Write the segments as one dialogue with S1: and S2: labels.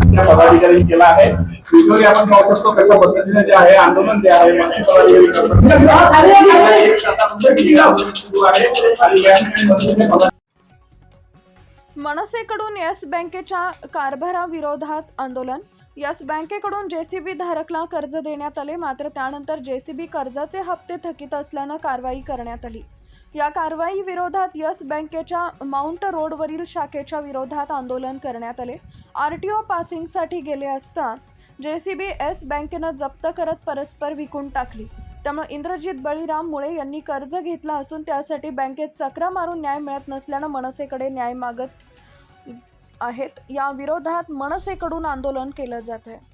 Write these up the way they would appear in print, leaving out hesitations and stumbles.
S1: त्या पदाधिकाऱ्यांनी केला आहे. व्हिडिओ आपण पाहू शकतो कशा पद्धतीने जे आहे आंदोलन जे आहे मच्छी पदाधिकारी करतात.
S2: मनसेकडून येस बँकेच्या कारभाराविरोधात आंदोलन. येस बँकेकडून जेसीबी धारकला कर्ज देण्यात आले, मात्र त्यानंतर जेसीबी कर्जाचे हप्ते थकीत असल्यानं कारवाई करण्यात आली. या कारवाई विरोधात येस बँकेच्या माउंट रोडवरील शाखेच्या विरोधात आंदोलन करण्यात आले. आरटीओ पासिंगसाठी गेले असता जेसीबी येस बँकेनं जप्त करत परस्पर विकून टाकली. त्यामुळे इंद्रजित बळीराम मुळे यांनी कर्ज घेतला असून त्यासाठी बँकेत चक्रा मारून न्याय मिळत नसल्यानं मनसेकडे न्याय मागत आहेत. या विरोधात मनसेकडून आंदोलन केलं जात आहे.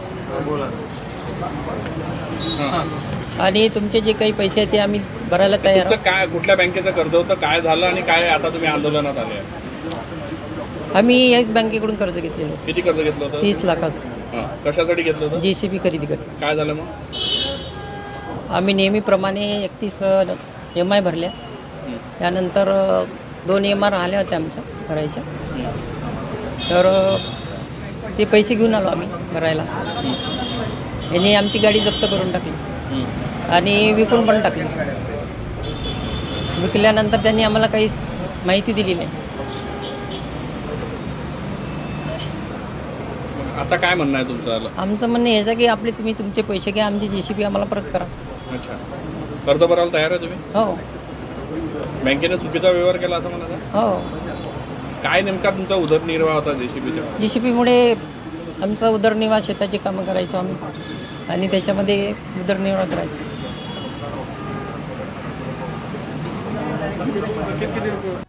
S3: आणि तुमचे जे काही पैसे आहेत ते आम्ही भरायला तयार
S1: तुमचं काय कुठल्या बँकेचं कर्ज होतं, काय झालं आणि काय आता तुम्ही आंदोलनात आले?
S3: आम्ही येस बँकेकडून कर्ज घेतलेलं
S1: किती कर्ज घेतलं होतं?
S3: 30 लाखाचं.
S1: कशासाठी घेतलं होतं?
S3: जेसीबी खरेदी करतो.
S1: काय झालं मग?
S3: आम्ही नेहमीप्रमाणे 31 EMI भरल्या. त्यानंतर 2 EMI राहिल्या होत्या आमच्या भरायच्या. तर ते पैसे घेऊन आलो आम्ही भरायला. यांनी आमची गाडी जप्त करून टाकली आणि विकून पण टाकली. विकल्यानंतर त्यांनी आम्हाला काहीच माहिती दिली नाही.
S1: आता काय म्हणणं आहे तुमचं?
S3: आमचं म्हणणं याचं की आपले तुम्ही तुमचे पैसे घ्या, आमची जेसीबी आम्हाला परत करा.
S1: अच्छा, कर्ज भरायला तयार आहे तुम्ही?
S3: हो
S1: बँकेने चुकीचा व्यवहार केला असं म्हणा.
S3: हो.
S1: काय नेमका तुमचा उदरनिर्वाह होता जेसीबीचा?
S3: जेसीबीमुळे आमचा उदरनिर्वाह, शेताची कामं करायचो आम्ही आणि त्याच्यामध्ये उदरनिर्वाह करायचो.
S1: किती रुपये?